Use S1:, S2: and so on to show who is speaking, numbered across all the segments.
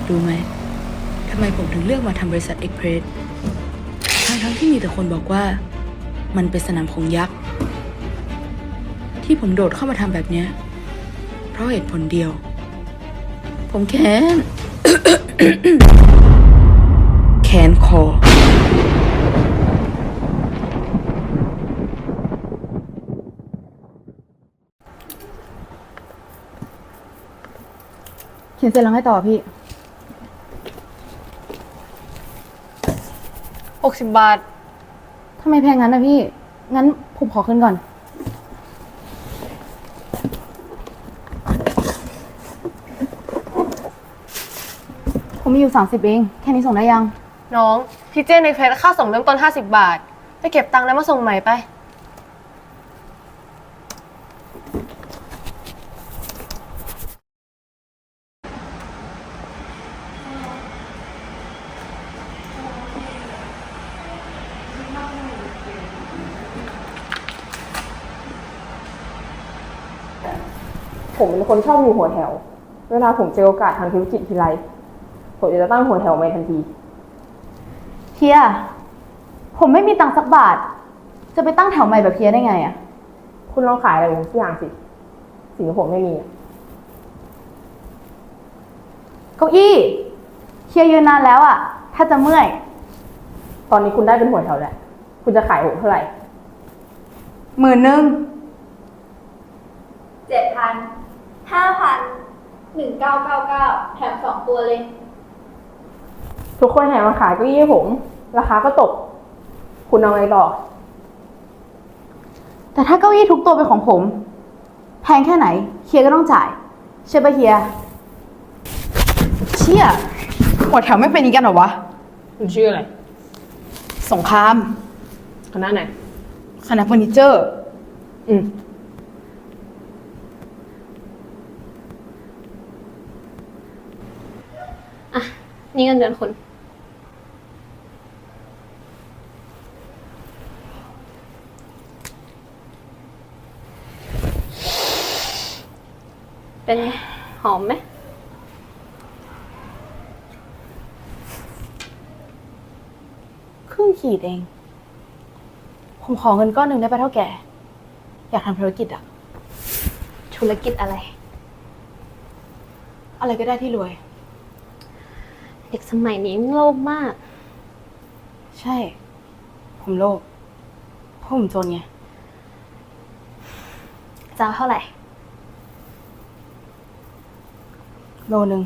S1: รู้ไหมทำไมผมถึงเลือกมาทำบริษัทเอ็กเพรสทั้งที่มีแต่คนบอกว่ามันเป็นสนามของยักษ์ที่ผมโดดเข้ามาทำแบบเนี้ยเพราะเหตุผลเดียวผมแค้น แขนคอเขียนเสร็จแล้วให้ต่อพี่
S2: 60 บาท
S1: ทำไมแพงงั้นนะพี่งั้นผมขอขึ้นก่อนผมมีอยู่30เองแค่นี้ส่งได้ยัง
S2: น้องพี่เจในเฟซค่าส่งเริ่มต้น50 บาทไปเก็บตังค์แล้วมาส่งใหม่ไป
S3: ผมเป็นคนชอบอยู่หัวแถวเวลาผมเจอโอกาสทางธุรกิจทีไรผมจะตั้งหัวแถวใหม่ทันที
S1: เฮียผมไม่มีตังค์สักบาทจะไปตั้งแถวใหม่แบบเฮียได้ไงอ่ะ
S3: คุณลองขายอะไรผมสักอย่างสิสิ่งที่ผมไม่มี
S1: เก้าอี้เฮียยืนนานแล้วอ่ะถ้าจะเมื่อย
S3: ตอนนี้คุณได้เป็นหัวแถวแล้วคุณจะขายผมเท่าไหร่
S1: 10,000
S4: 7,000 5,000 1999แถม2 ตัวเลย
S3: ทุกคนแห่มาขายเก้าอี้ให้ผมราคาก็ตกคุณเอาไงต่อ
S1: แต่ถ้าเก้าอี้ทุกตัวเป็นของผมแพงแค่ไหนเฮียก็ต้องจ่ายใช่ปะเฮียเชี่ยหัวแถวไม่เป็นอย่างนี้กันเหรอวะ
S3: คุณชื่ออะไร
S1: สงคราม
S3: คณะไหน
S1: คณะเฟอร์นิเจอร์
S2: อ่ะนี่เงินเดือนคุณเป็นไงหอมไหม
S1: ครึ่งขีดเองผมขอเงินก้อนหนึ่งได้ปะเท่าแก่อยากทำธุรกิจอะ
S2: ธุรกิจอะไร
S1: อะไรก็ได้ที่รวย
S2: เด็กสมัยนี้โลภมาก
S1: ใช่ผมโลภเพราะผมจนไง
S2: จะเอาเท่าไหร่
S1: โลนึง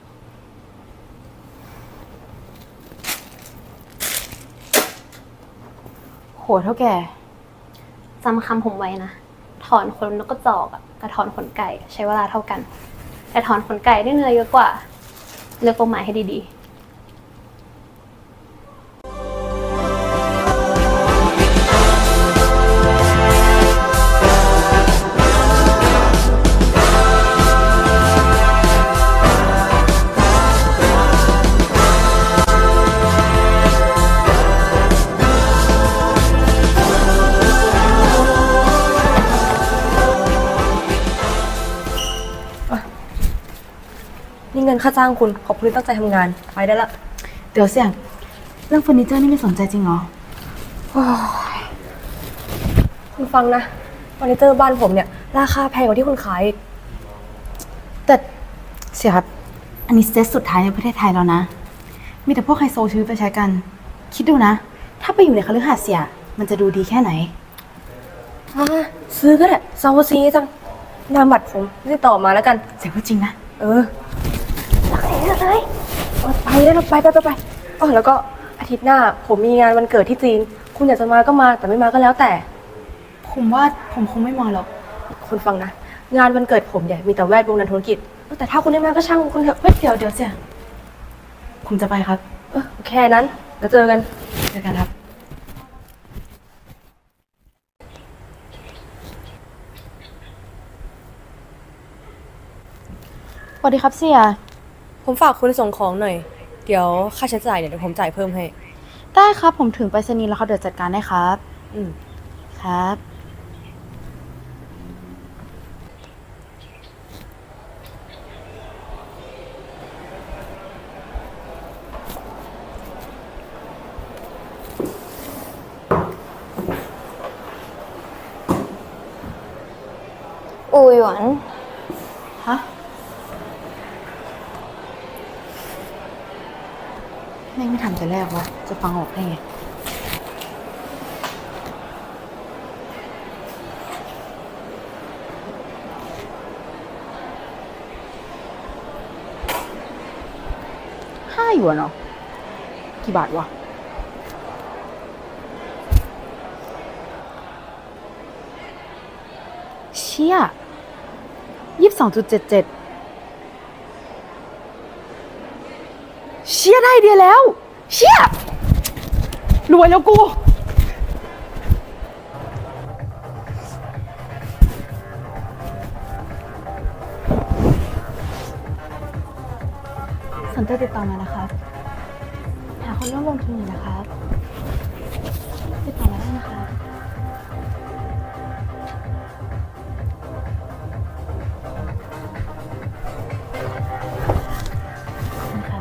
S1: โหเท่าแก่
S2: จำคำผมไว้นะถอนขนนกกระจอกกับถอนขนไก่ใช้เวลาเท่ากันแต่ถอนขนไก่ได้เนื้อเยอะกว่าเลือกเป้าหมายให้ดีๆ
S5: นี่เงินค่าจ้างคุณขอบคุณที่ตั้งใจทำงานไปได้ละ
S1: เดี๋ยวเสี่ยงเรื่องเฟอร์นิเจอร์นี่ไม่สนใจจริงเหรอ
S5: คุณฟังนะเฟอร์นิเจอร์บ้านผมเนี่ยราคาแพงกว่าที่คุณขายอีก
S1: แต่เสี่ยครับอันนี้เซตสุดท้ายในประเทศไทยแล้วนะมีแต่พวกไฮโซซื้อไปใช้กันคิดดูนะถ้าไปอยู่ในคฤหาสน์เสี่ยมันจะดูดีแค่ไหน
S5: ซื้อก็ได้ซาวซีจังนามบัตรผมติดต่อมาแล้วกัน
S1: เสี่ยพูดจริงนะ
S5: รักเสียเลยไปได้แล้วไปแล้วก็อาทิตย์หน้าผมมีงานวันเกิดที่จีนคุณอยากจะมาก็มาแต่ไม่มาก็แล้วแต่
S1: ผมว่าผมคงไม่มาหรอก
S5: คุณฟังนะงานวันเกิดผมเนี่ยมีแต่แวดวงนักธุรกิจแต่ถ้าคุณไม่มาก็ช่างคุณเถอะ
S1: เดี๋ยวเสี่ยผมจะไปครับ
S5: แค่นั้นแล้วเจอกัน
S1: ครับสวัสดีครับเสี่ย
S5: ผมฝากคุณส่งของหน่อยเดี๋ยวค่าใช้จ่ายเดี๋ยวผมจ่ายเพิ่มให้
S1: ได้ครับผมถึงไปรษณีย์แล้วเขาเดี๋ยวจัดการได้ครับครับ
S2: อูหยวน
S1: ฮะแม่งไม่ทำแต่แรกวะจะฟังออกได้ไง5 หยวนเหรอกี่บาทวะเชี่ย22.77เชี่ยได้ไอเดียแล้ว เชี่ยรวยแล้วกู สนใจติดต่อมานะคะหาคนร่วมลงทุนอยู่นะคะติดต่อมาได้นะคะนะครับ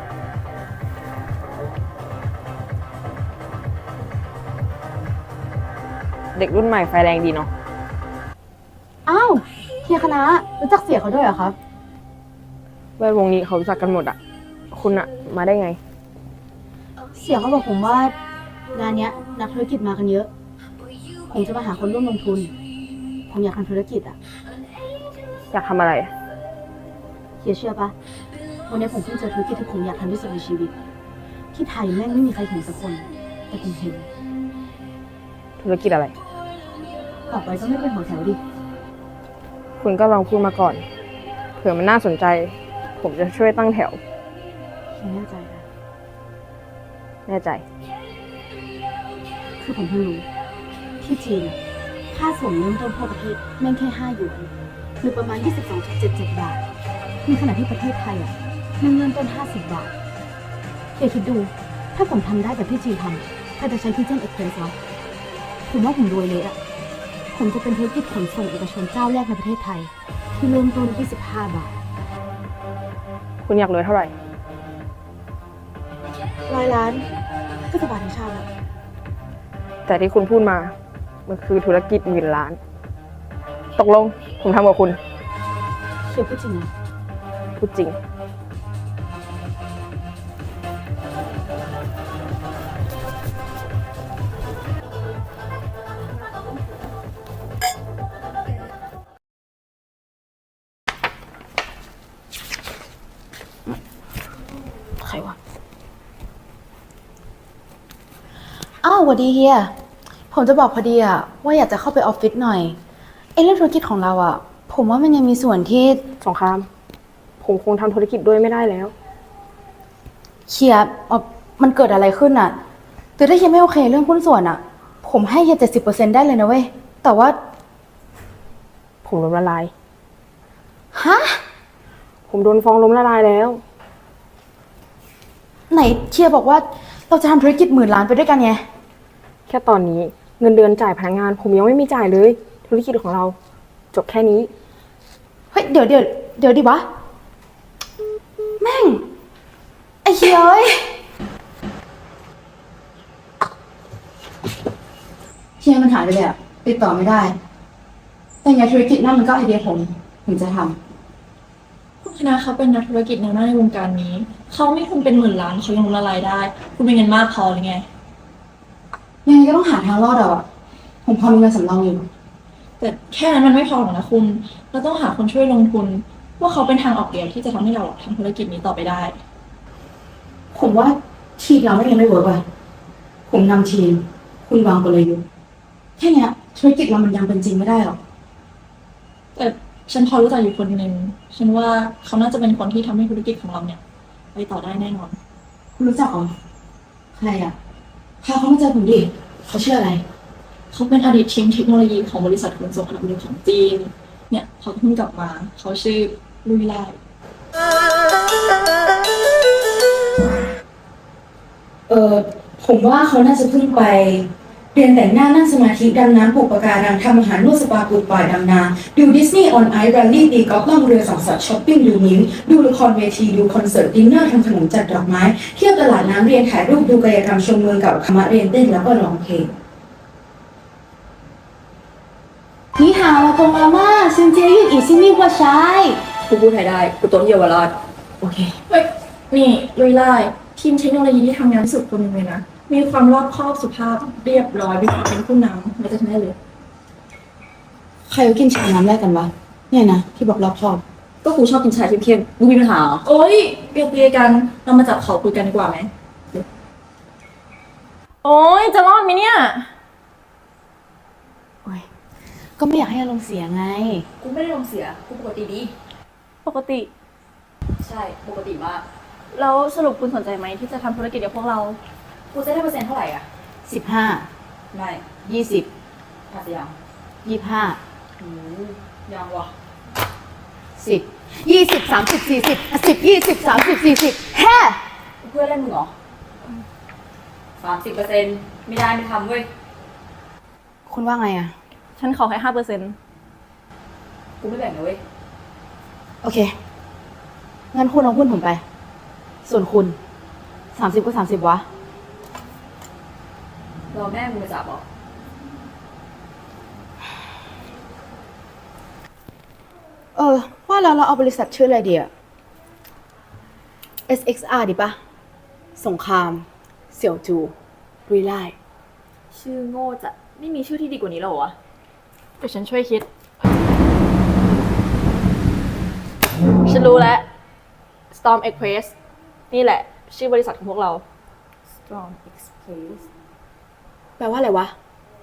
S3: เด็กรุ่นใหม่ไฟแรงดีเนาะ
S1: อ้าวเฮียคณะรู้จักเสียเขาด้วยเหรอครับ
S3: แวดวงนี้เขารู้จักกันหมดอะคุณอะมาได้ไง
S1: เสียเขาบอกผมว่างานเนี้ยนักธุรกิจมากันเยอะผมจะมาหาคนร่วมลงทุนผมอยากทำธุรกิจอ่ะ
S3: อยากทำอะไร
S1: เฮียเชื่อปะวันนี้ผมเพิ่งเจอธุรกิจที่ผมอยากทำที่สุดในชีวิต ที่ไทยแม่งไม่มีใครเห็นสักคน แต่ผมเห็น
S3: ธุรกิจอะไร
S1: ต่อไปก็ไม่เป็นหัวแถวดิ
S3: คุณก็ลองพูดมาก่อน เผื่อมันน่าสนใจ ผมจะช่วยตั้งแถว
S1: เฮียแน่ใจนะ
S3: แน่ใจ
S1: คือผมเพิ่งรู้ที่จีนอะค่าส่งเริ่มต้นทั่วประเทศแม่งแค่5 หยวนหรือประมาณ 22.77 บาทในขณะที่ประเทศไทยอ่ะแม่งเริ่มต้น50 บาทเฮียคิดดู ถ้าผมทำได้แบบที่จีนทำถ้าจะใช้พิเจนเอ็กเพรสวะผมว่าผมรวยเลยอ่ะ ผมจะเป็นธุรกิจขนส่งเอกชนเจ้าแรกในประเทศไทย ที่เริ่มต้นที่15 บาท
S3: คุณอยากรวยเท่าไหร่
S1: 100 ล้านก็จะบาทในชาติแล้ว
S3: แต่ที่คุณพูดมา มันคือธุรกิจหมื่นล้าน ตกลง ผมทำกับคุณ
S1: เฮียพูดจริงนะ
S3: พูดจริง
S1: ใครวะ อ้าวสวัสดีเฮีย ผมจะบอกพอดีอะว่าอยากจะเข้าไปออฟฟิศหน่อยเรื่องธุรกิจของเราอะผมว่ามันยังมีส่วนที่
S3: สงคราม ผมคงทำธุรกิจด้วยไม่ได้แล้ว
S1: เฮียมันเกิดอะไรขึ้นอะแต่ถ้าเฮียไม่โอเคเรื่องหุ้นส่วนอะผมให้เฮีย70%ได้เลยนะเว้ย แต่ว่า
S3: ผมล้มละลาย
S1: ฮะ
S3: ผมโดนฟ้องล้มละลายแล้ว
S1: ไหนเฮียบอกว่าเราจะทำธุรกิจ10,000 ล้านไปด้วยกันไง
S3: แค่ตอนนี้เงินเดือนจ่ายพนักงาน ผมยังไม่มีจ่ายเลย ธุรกิจของเรา จบแค่นี้
S1: เฮ้ยเดี๋ยวดิวะ แม่ง ไอ้เฮียเอ้ยเฮียมันหายไปเลยอะติดต่อไม่ได้ แต่ไงธุรกิจนั่นมันก็ไอเดียผมจะทำ
S6: คุณคณะเขาเป็นนักธุรกิจแนวหน้าในวงการนี้ เขาไม่ทุนเป็น10,000 ล้านเขายังล้มละลายได้ คุณเป็นเงินมากพอหรือไง
S1: ยังไงก็ต้องหาทางรอดอะผมพอมีเงินสำรองอยู่
S6: แต่แค่นั้นมันไม่พอหรอกนะคุณ เราต้องหาคนช่วยลงทุน ว่าเขาเป็นทางออกเดียวที่จะทำให้เราทำธุรกิจนี้ต่อไปได้
S1: ผมว่าทีมเราไม่ยังไม่เวิร์กว่ะผมนำทีม คุณวางกลยุทธ์แค่เนี้ยธุรกิจเรามันยังเป็นจริงไม่ได้หรอก
S6: แต่ฉันพอรู้จักอยู่คนหนึ่งฉันว่าเขาน่าจะเป็นคนที่ทำให้ธุรกิจของเราเนี่ยไปต่อได้แน่นอน
S1: คุณรู้จักเหรอใครอะพาเขามาเจอผมดิเขาชื่ออะไร
S6: เขาเป็นอดีตทีมเทคโนโลยีของบริษัทขนส่งอันดับ 1ของจีน เนี่ยเขาเพิ่งกลับมา เขาชื่อลุยไล่
S1: ผมว่าเขาน่าจะเพิ่งไปเรียนแต่งหน้านั่งสมาธิดำน้ำปลูกปะการังทำอาหารนวดสปาปลูกป่าดำนาดูดิสนีย์ออนไอซ์แรลลี่ตีกอล์ฟล่องเรือสังสรรค์ช้อปปิ้งดูนิ้วดูละครเวทีดูคอนเสิร์ตดินเนอร์ทำขนมจัดดอกไม้เที่ยวตลาดน้ำเรียนถ่ายรูปดูกายกรรมชมเมืองเก่าคณะเรียนเต้นแล้วก็ร้องเพลง你好啊，公阿妈，先接运已经密过ใช้
S6: กูพูดไทยได้ กูโตที่เยาวราช
S1: โอเค
S6: เฮ้ย นี่ลุยไล่ทีมเทคโนโลยีที่ทำงานที่สุดคนหนึงเลยนะ มีความรอบคอบสุภาพเรียบร้อยมีความเป็นผู้นำไม่จะทำได้เลย
S1: ใครเขากินชาน้ำแรกกันวะ เนี่ยนะ ที่บอกรอบคอบ
S6: ก็กูชอบกินชาเข้มๆมึงมีปัญหาเหรอโอ๊ยเปรียกัน เรามาจับเขาคุยกันดีกว่าไหม
S5: โอ้ยจะรอดไหมเนี่ย
S1: โอ้ย ก็ไม่อยากให้อารมณ์เสียไง
S6: กูไม่ได้ลงเสีย กูปกติดี
S5: ปกติ
S6: ใช่ ปกติมาก
S5: แล้วสรุปคุณสนใจไหมที่จะทำธุรกิจกับพวกเรา
S6: กูจะได้เปอร์เซ็นต์เท่าไหร่อ่ะ
S1: 15
S6: ไม่
S1: 20
S6: ขาดยัง
S1: 25
S6: ยังวะ
S1: 10 20 30 40 10 20 30 40แฮ่
S6: เพื่อนเล่นมึงเหรอ30%ไม่ได้ไม่ทำเว้ย
S1: คุณว่าไงอะ
S5: ฉันขอให้5%
S6: กูไม่แบ่งนะเว้ย
S1: โอเค งั้นคุณเอาหุ้นผมไป ส่วนคุณ30ก็30วะ
S6: รอแม่มึงมาจับเหรอ
S1: ว่าแล้วเราเอาบริษัทชื่ออะไรดีอะ SXR ดีปะสงคราม เสี่ยวจู รุยไล่
S5: ชื่อโง่จะไม่มีชื่อที่ดีกว่านี้หรอวะเดี๋ยวฉันช่วยคิด ฉันรู้แล้ว Storm Express นี่แหละ ชื่อบริษัทของพวกเรา Storm Express
S1: แปลว่าอะไรวะ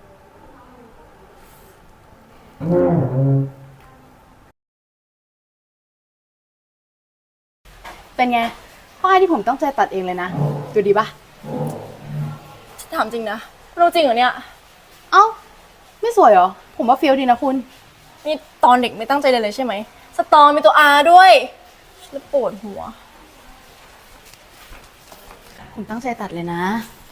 S1: เป็นไงป้ายที่ผมต้องใจตัดเองเลยนะ ดูดีปะ
S5: ถามจริงนะรู้จริงเหรอเนี่ย
S1: เอ้า ไม่สวยเหรอ ผมว่าเฟี้ยวดีนะคุณ
S5: นี่ตอนเด็กไม่ตั้งใจเลยใช่ไหม สตอมีตัว R ด้วยฉันปวดหัว
S1: ผมตั้งใจตัดเลยนะ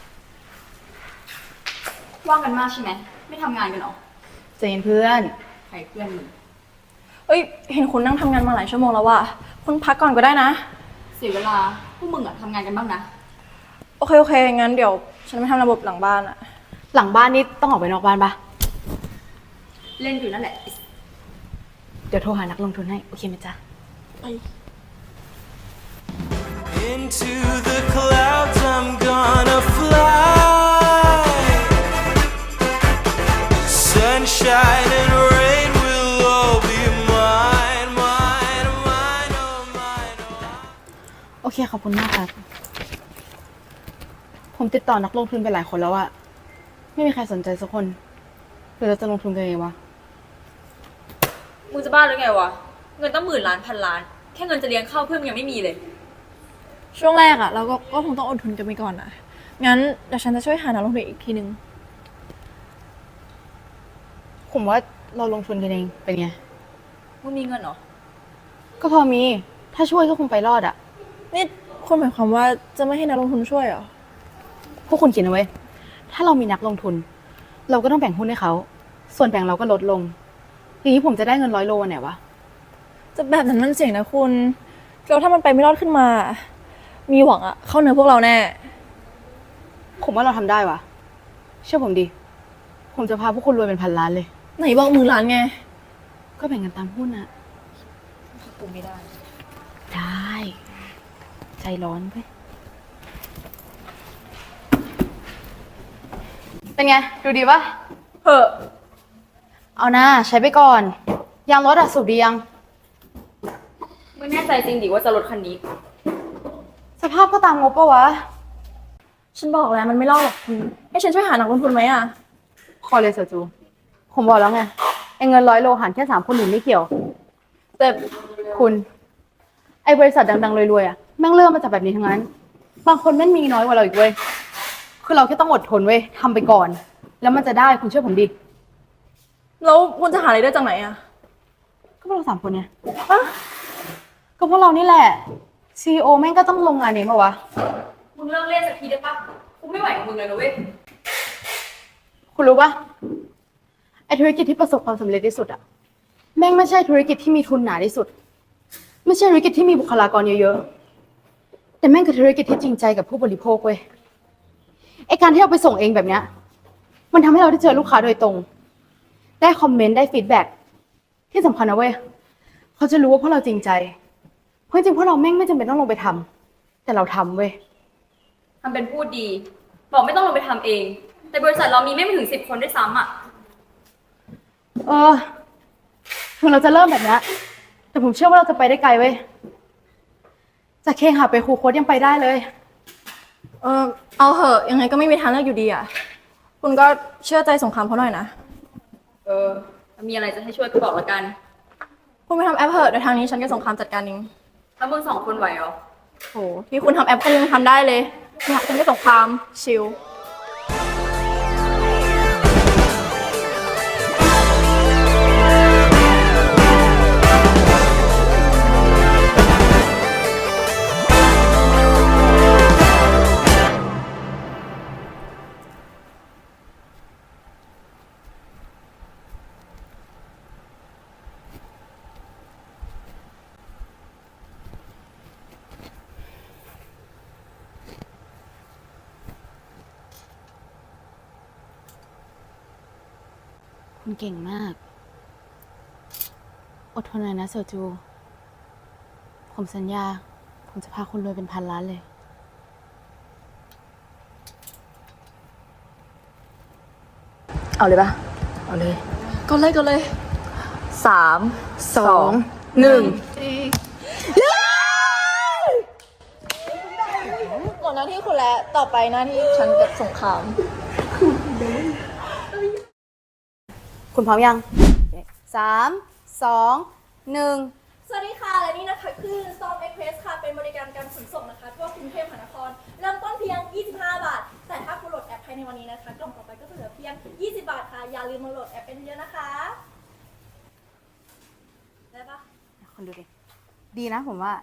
S6: ว่างกันมากใช่ไหม ไม่ทำงานกันเหรอ
S1: ใจเย็นเพื่อน
S6: ใครเพื่อนมึง
S5: เอ้ย เห็นคุณนั่งทำงานมาหลายชั่วโมงแล้วว่ะคุณพักก่อนก็ได้นะ
S6: เสียเวลา พวกมึงอะทำงานกันบ้างนะ
S5: โอเค โอเค งั้นเดี๋ยว ฉันไปทำระบบหลังบ้านอะ
S1: หลังบ้านนี่ต้องออกไปนอกบ้านปะ
S6: เล่นอยู่นั่นแหละ
S1: เดี๋ยวโทรหานักลงทุนให้ โอเคไหมจ๊ะ
S7: Into the clouds I'm gonna fly. Sunshine and rain will all be mine, mine, mine, oh mine, oh mine.
S1: โอเค ขอบคุณมากครับ ผมติดต่อนักลงทุนไปหลายคนแล้วอะไม่มีใครสนใจสักคนหรือเราจะลงทุนกันเองวะ
S8: มึงจะบ้าหรือไงวะ เงินตั้งหมื่นล้านพันล้าน แค่เงินจะเลี้ยงข้าวเพื่อนมึงยังไม่มีเลย
S5: ช่วงแรกอะเราก็คงต้องอดทนกันไปก่อนนะงั้นเดี๋ยวฉันจะช่วยหานักลงทุนอีกทีนึง
S1: ผมว่าเราลงทุนกันเองเป็นไง
S8: มึงมีเงินเหรอ
S1: ก็พอมี ถ้าช่วยก็คงไปรอดอะ
S5: นี่คุณหมายความว่าจะไม่ให้นักลงทุนช่วยเหรอ
S1: พวกคุณคิดนะเว้ย ถ้าเรามีนักลงทุน เราก็ต้องแบ่งหุ้นให้เขา ส่วนแบ่งเราก็ลดลง ทีนี้ผมจะได้เงิน100 โลไหนวะ
S5: จะแบบนั้นมันเสี่ยงนะคุณแล้วถ้ามันไปไม่รอดขึ้นมา มีหวังอะเข้าเนื้อพวกเราแน่
S1: ผมว่าเราทำได้วะเชื่อผมดิ ผมจะพาพวกคุณรวยเป็นพันล้านเลย
S5: ไหนบอกหมื่นล้านไง
S1: ก็แบ่งกันตามหุ้นอะ
S8: กูไม่ได้
S1: ได้ ใจร้อนไปเป็นไง ดูดีปะ
S5: เฮ้อ
S1: เอานะใช้ไปก่อน ยางรถอะสูบดียัง
S8: มึงแน่ใจจริงดิว่าจะลดคันนี้
S1: สภาพก็ตามงบปะวะ
S5: ฉันบอกแล้วมันไม่รอดหรอกคุณให้ฉันช่วยหานักลงทุนไหมอะ
S1: คอเลยเสือจู ผมบอกแล้วไงไอ้เงิน100 โลหารแค่3 คนอื่นไม่เกี่ยว แต่คุณ ไอ้บริษัทดังๆรวยๆอะแม่งเริ่มมาจากแบบนี้ทั้งนั้น บางคนแม่งมีน้อยกว่าเราอีกเว้ย คือเราแค่ต้องอดทนเว้ยทำไปก่อน แล้วมันจะได้คุณเชื่อผมดิ
S5: แล้วคุณจะหาอะไรได้จากไหนอะ
S1: ก็พวกเรา3 คนเนี่ยก็พวกเรานี่แหละ CEO แม่งก็ต้องลงงานเองปะวะ
S8: มึงเลิกเล่นสักทีได้ปะกูไม่ไหวกับมึงเลยนะเว้ย
S1: คุณรู้ปะไอธุรกิจที่ประสบความสำเร็จที่สุดอะแม่งไม่ใช่ธุรกิจที่มีทุนหนาที่สุด ไม่ใช่ธุรกิจที่มีบุคลากรเยอะๆ แต่แม่งคือธุรกิจที่จริงใจกับผู้บริโภคเว้ย ไอการที่เราไปส่งเองแบบเนี้ย มันทำให้เราได้เจอลูกค้าโดยตรง
S5: ได้คอมเมนต์ได้ฟีดแบ็กที่สำคัญนะเว้ยเขาจะรู้ว่าพวกเราจริงใจเพราะจริงๆพวกเราแม่งไม่จำเป็นต้องลงไปทำแต่เราทำเว้ย
S8: ทำเป็นพูดดี บอกไม่ต้องลงไปทำเอง แต่บริษัทเรามีไม่ถึง10 คนด้วยซ้ำอ่ะ
S5: ถึงเราจะเริ่มแบบนี้แต่ผมเชื่อว่าเราจะไปได้ไกลเว้ยจากเคหะไปครูโค้ดยังไปได้เลย
S6: เอาเหอะยังไงก็ไม่มีทางเลือกอยู่ดีอ่ะ คุณก็เชื่อใจสงครามเขาหน่อยนะ
S8: มีอะไรจะให้ช่วยก็บอกละกัน
S6: คุณไปทำแอปเหอะเดี๋ยวทางนี้ฉันกับสงครามจัดการเอง
S8: แล้วมึง2 คนไหวเหรอ
S6: โหที่คุณทำแอปคุณยังทำได้เลยเนี่ยคุณไม่สงครามชิล
S1: คุณเก่งมาก อดทนหน่อยนะโซจู ผมสัญญา ผมจะพาคุณรวยเป็น1,000 ล้านเลย
S5: เอาเลยปะ
S1: เอาเลย
S6: ก็เลย3 2 1หมดหน้าที่คุณแล้วต่อไปหน้าที่ฉันกับสงคราม
S5: คุณพร้อมยัง3 2 1
S8: สวัสดีค่ะ และนี่นะคะคือ Storm Express ค่ะ เป็นบริการการขนส่งนะคะทั่วกรุงเทพมหานคร เริ่มต้นเพียง 25 บาท แต่ถ้าคุณโหลดแอปภายในวันนี้นะคะ กล่องต่อไปก็จะเหลือเพียง 20 บาทค่ะ อย่าลืมมาโหลดแอปเป็นเยอะนะคะ ได้ปะ
S5: คนดูดิ ดีนะผมว่า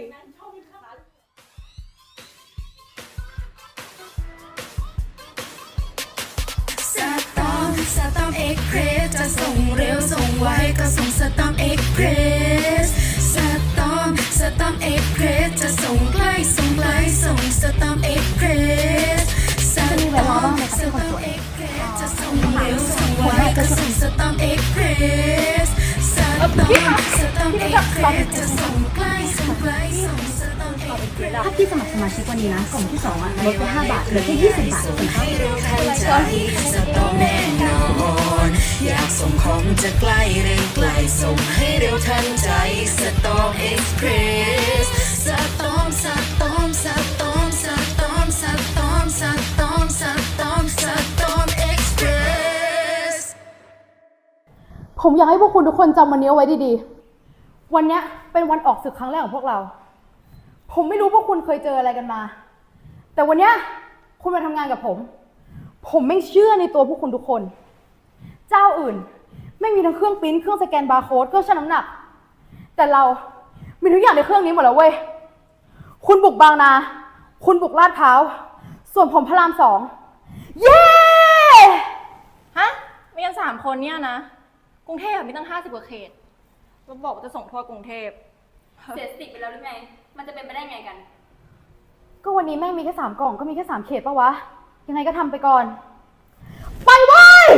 S9: สตอมเอ็กเพรสจะส่งเร็วส่งไวก็ส่งสตอมเอ็กเพรสสตอมเอ็กเพรสจะส่งใกล้ส่งไกลส่งสตอมเอ็กเพรสสตอมเอ็กเพรสจะส่งเร็วส่งไวก็ส่งสตอมเอ็กเพรสสตอมเอ็กเพรสจะส่งใกล้ส่งไกลส่งสตอมเอ็กเพรส
S5: ถ้าพี่สมัครสมาชิกวันนี้นะกล่องที่2ลดไป5 บาทเหลือแค่20 บาท
S9: ให้เร็วทันใจสตอมแน่นอนอยากส่งของจะใกล้เร็วไกลส่งให้เร็วทันใจสตอมเอ็กซ์เพรสสตอมเอ็กซ์เพรส
S5: ผมอยากให้พวกคุณทุกคนจำวันนี้เอาไว้ดีๆ วันเนี้ยเป็นวันออกศึกครั้งแรกของพวกเรา ผมไม่รู้พวกคุณเคยเจออะไรกันมา แต่วันเนี้ยคุณมาทำงานกับผม ผมไม่เชื่อในตัวพวกคุณทุกคน เจ้าอื่นไม่มีทั้งเครื่องปริ้นท์เครื่องสแกนบาร์โค้ดเครื่องชั่งน้ำหนัก แต่เรามีทุกอย่างในเครื่องนี้หมดแล้วเว้ย คุณบุกบางนา คุณบุกลาดพร้าว ส่วนผมพระราม 2 เย้
S6: ฮะ มีกัน3 คนเนี่ยนะ กรุงเทพมีตั้ง50 กว่าเขตแล้วบอกว่าจะส่งทั่วกรุงเทพ
S8: เสียสติไปแล้วหรือไง มันจะเป็นไปได้ไงกัน
S5: ก็วันนี้แม่งมีแค่3 กล่องก็มีแค่3 เขตปะวะ ยังไงก็ทำไปก่อน ไปเว้ย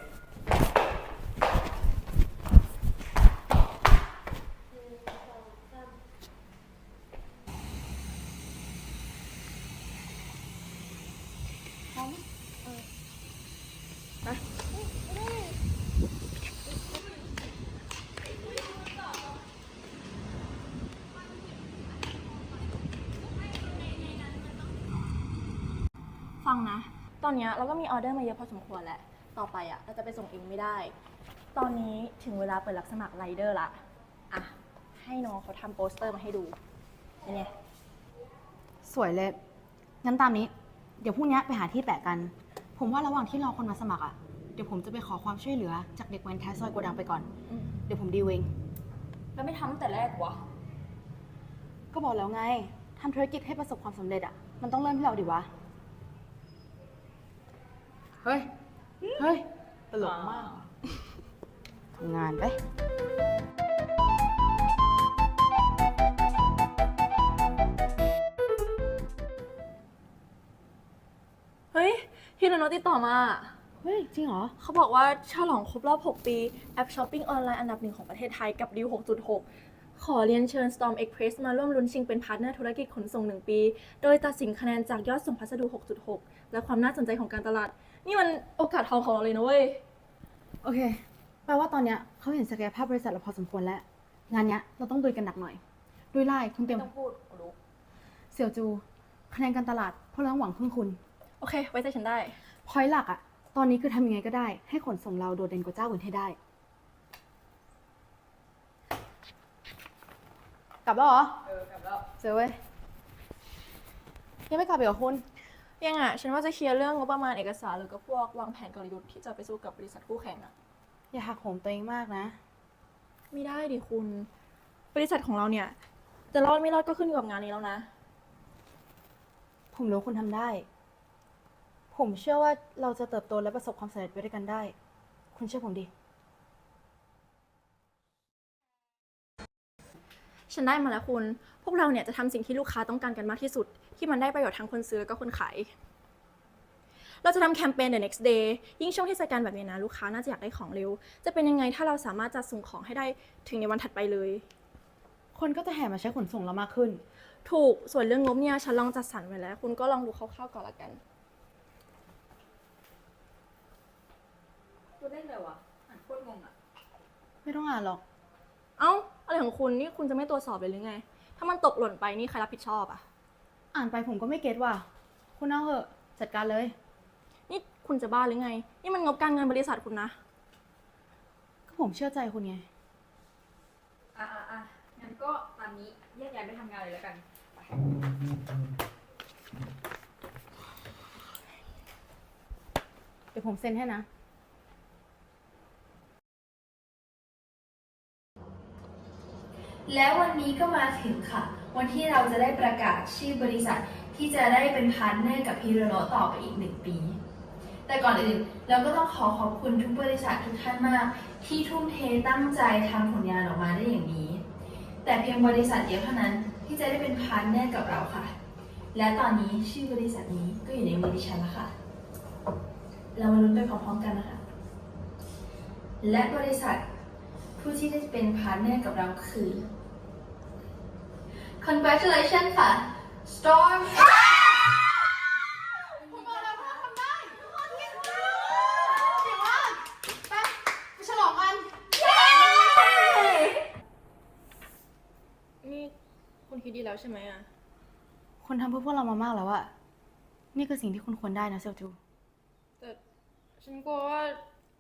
S6: ฟังนะ ตอนเนี้ยเราก็มีออเดอร์มาเยอะพอสมควรแหละ ต่อไปอ่ะเราจะไปส่งเองไม่ได้ ตอนนี้ถึงเวลาเปิดรับสมัครไรเดอร์ละ อ่ะ ให้น้องเขาทำโปสเตอร์มาให้ดูเป็นไง
S5: สวยเลย งั้นตามนี้ เดี๋ยวพรุ่งนี้ไปหาที่แปะกัน ผมว่าระหว่างที่รอคนมาสมัครอ่ะ เดี๋ยวผมจะไปขอความช่วยเหลือจากเด็กแว้นท้ายซอยโกดังไปก่อน เดี๋ยวผมดีลเอง
S8: แล้วไม่ทำตั้งแต่แรกวะ
S5: ก็บอกแล้วไง ทำธุรกิจให้ประสบความสำเร็จอ่ะ มันต้องเริ่มที่เราดิวะ เฮ้ย เฮ้ย ตลกมาก ทำงานไป
S6: เฮ้ย พี่นนท์ติดต่อมา
S5: เฮ้ฮ้ย จริงเหรอ
S6: เขาบอกว่าฉลองครบรอบ 6 ปี แอปช้อปปิ้งออนไลน์อันดับ 1 ของประเทศไทยกับดิว 6.6 ขอเรียนเชิญ Storm Express มาร่วมลุ้นชิงเป็นพาร์ทเนอร์ธุรกิจขนส่ง 1 ปี โดยตัดสินคะแนนจากยอดส่งพัสดุ 6.6 และความน่าสนใจของการตลาด นี่มันโอกาสทองของเราเลยนะเว้ย
S5: โอเค แปลว่าตอนเนี้ยเขาเห็นศักยภาพบริษัทเราพอสมควรแล้ว งานเนี้ยเราต้องดุยกันหนักหน่อยดุยไล่คุณเตรียม
S6: ต้องพูดกูรู้
S5: เสี่ยวจู คะแนนการตลาดพวกเราหวังพึ่งคุณ
S6: โอเค ไว้ใจฉันได้
S5: พอยต์หลักอะตอนนี้คือทำยังไงก็ได้ ให้ขนส่งเราโดดเด่นกว่าเจ้าอื่นให้ได้ กลับแล้วเหรอ
S3: กลับแล้ว
S5: เจอเว้ย ยังไม่กลับอีกเหรอคุณ
S6: ยังอ่ะ ฉันว่าจะเคลียร์เรื่องงบประมาณเอกสารหรือก็พวกวางแผนกลยุทธ์ที่จะไปสู้กับบริษัทคู่แข่งอ่ะ
S5: อย่าหักโหมตัวเองมากนะ
S6: ไม่ได้ดิคุณ บริษัทของเราเนี่ยจะรอดไม่รอดก็ขึ้นอยู่กับงานนี้แล้วนะ
S5: ผมรู้คุณทำได้ ผมเชื่อว่าเราจะเติบโตและประสบความสำเร็จไปด้วยกันได้ คุณเชื่อผมดิ
S6: ฉันได้มาแล้วคุณ พวกเราเนี่ยจะทำสิ่งที่ลูกค้าต้องการกันมากที่สุด ที่มันได้ประโยชน์ทั้งคนซื้อแล้วก็คนขาย เราจะทำแคมเปญ The Next Day ยิ่งช่วงเทศกาลแบบนี้นะลูกค้าน่าจะอยากได้ของเร็ว จะเป็นยังไงถ้าเราสามารถจัดส่งของให้ได้ถึงในวันถัดไปเลย
S5: คนก็จะแห่มาใช้ขนส่งเรามากขึ้น
S6: ถูก ส่วนเรื่องงบเนี่ยฉันลองจัดสรรไว้แล้ว คุณก็ลองดูคร่าวๆก่อนละกัน
S3: ตัวเลขเลยวะอ่านโคตรงงอ่ะ
S5: ไม่ต้องอ่านหรอก
S6: เอ้า อะไรของคุณนี่คุณจะไม่ตรวจสอบเลยหรือไง ถ้ามันตกหล่นไปนี่ใครรับผิดชอบอะ
S5: อ่านไปผมก็ไม่เก็ตว่ะ คุณเอาเหอะ จัดการเลย
S6: นี่คุณจะบ้าหรือไง นี่มันงบการเงินบริษัทคุณนะ
S5: ก็ผมเชื่อใจคุณไง
S3: งั้นก็ตามนี้แยกย้ายไปทำงานเลยแล้วกัน
S5: เดี๋ยวผมเซ็นให้นะ
S10: แล้ววันนี้ก็มาถึงค่ะ วันที่เราจะได้ประกาศชื่อบริษัทที่จะได้เป็นพาร์ทเนอร์กับฮิโรโนะต่อไปอีก1 ปี แต่ก่อนอื่นเราก็ต้องขอบคุณทุกบริษัททุกท่านมาก ที่ทุ่มเทตั้งใจทำผลงานออกมาได้อย่างนี้ แต่เพียงบริษัทเดียวเท่านั้นที่จะได้เป็นพาร์ทเนอร์กับเราค่ะ และตอนนี้ชื่อบริษัทนี้ก็อยู่ในมือดิฉันแล้วค่ะ เรามาลุ้นไปพร้อมๆกันนะคะ และบริษัทผู้ที่ได้เป็นพาร์ทเนอร์กับเราคือ Congratulations ค่ะ Storm
S6: นี่คุณคิดดีแล้วใช่ไหมอะ
S5: คุณทำเพื่อพวกเรามามากแล้วอะนี่คือสิ่งที่คุณควรได้นะเซียวจู
S6: แต่ฉันกลัวว่า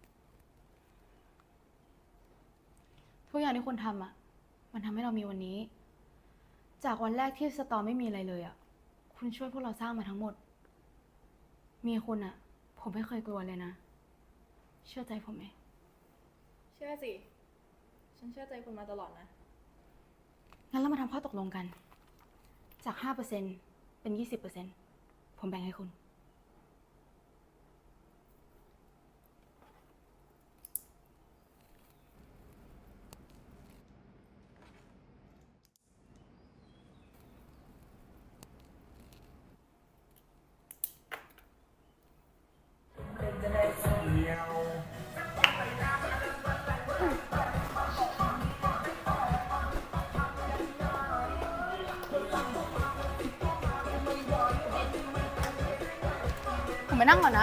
S5: ทุกอย่างที่คุณทำอะมันทำให้เรามีวันนี้ จากวันแรกที่สตอร์ไม่มีอะไรเลยอะคุณช่วยพวกเราสร้างมาทั้งหมด มีคุณอะผมไม่เคยกลัวเลยนะ เชื่อใจผมไหม
S6: เชื่อสิ ฉันเชื่อใจคุณมาตลอดนะ
S5: งั้นเรามาทำข้อตกลงกัน จาก 5% เป็น 20% ผมแบ่งให้คุณ ผมไปนั่งก่อนนะ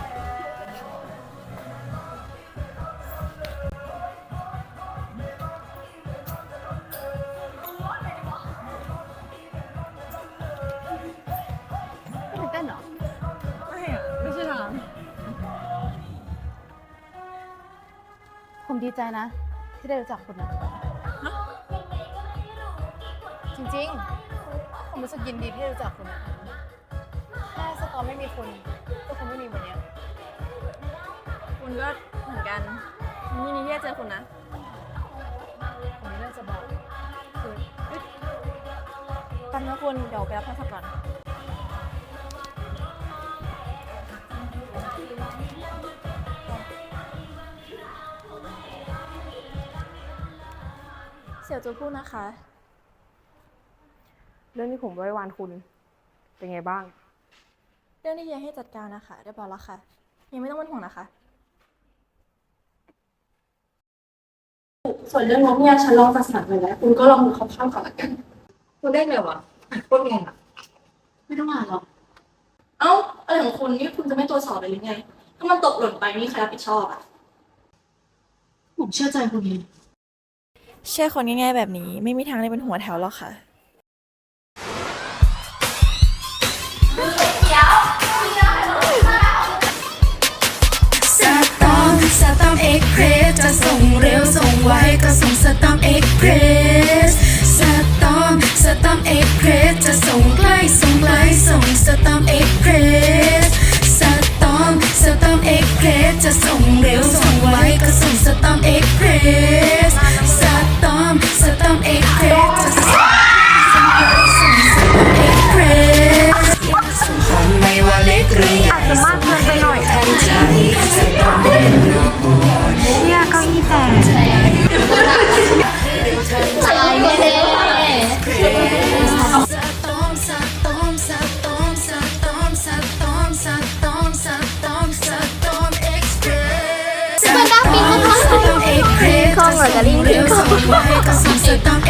S5: ไม่ตื่นเต้นเหรอ
S6: ไม่อะไม่ใช่ทาง
S5: ผมดีใจนะ ที่ได้รู้จักคุณนะจริงๆ ผมรู้สึกยินดีที่ได้รู้จักคุณนะถ้าสตอร์ไม่มีคุณก็คงไม่มีวันเนี้ย
S6: คุณก็เหมือนกันฉันยินดีที่ได้เจอคุณนะ
S5: ผมมีเรื่องจะบอกคือ
S6: แป๊บนะคุณ เดี๋ยวไปรับโทรศัพท์ก่อน เสี่ยวจูพูดนะคะ
S3: เรื่องที่ผมไว้วานคุณ เป็นไงบ้าง
S6: เรื่องที่เฮียให้จัดการนะคะเรียบร้อยแล้วค่ะยังไม่ต้องเป็นห่วงนะคะ
S8: ส่วนเรื่องงบเนี่ยฉันลองจัดสรรไปแล้ว คุณก็ลองดูคร่าวๆก่อนละกัน
S3: คุณได้ไงวะโคตรงงอะ
S1: ไม่ต้องอ่านหรอก
S8: เอ้าอะไรของคุณนี่คุณจะไม่ตรวจสอบเลยหรือไง ถ้ามันตกหล่นไปนี่ใครรับผิดชอบอ่ะ
S1: ผมเชื่อใจคุณเอง
S6: เชื่อคนง่ายๆแบบนี้ไม่มีทางได้เป็นหัวแถวหรอกค่ะ
S9: สตอมเอ็กเพรสจะส่งเร็วส่งไวก็ส่งสตอมเอ็กเพรสสตอมเอ็กเพรสจะส่งใกล้ส่งไกลส่งสตอมเอ็กเพรสสตอมเอ็กเพรสจะส่งเร็วส่งไวก็ส่งสตอมเอ็กเพรสสตอมเอ็กเพรสจะส่งเอ็กเพรสของไม่ว่าเล็กหรือใหญ่อาจจะมากเกินไปหน่อยทันใจสตอมเอ็กเพรสเนี่ยเก้าอี้แตกใจไม่ได้คองเหรอกะลิง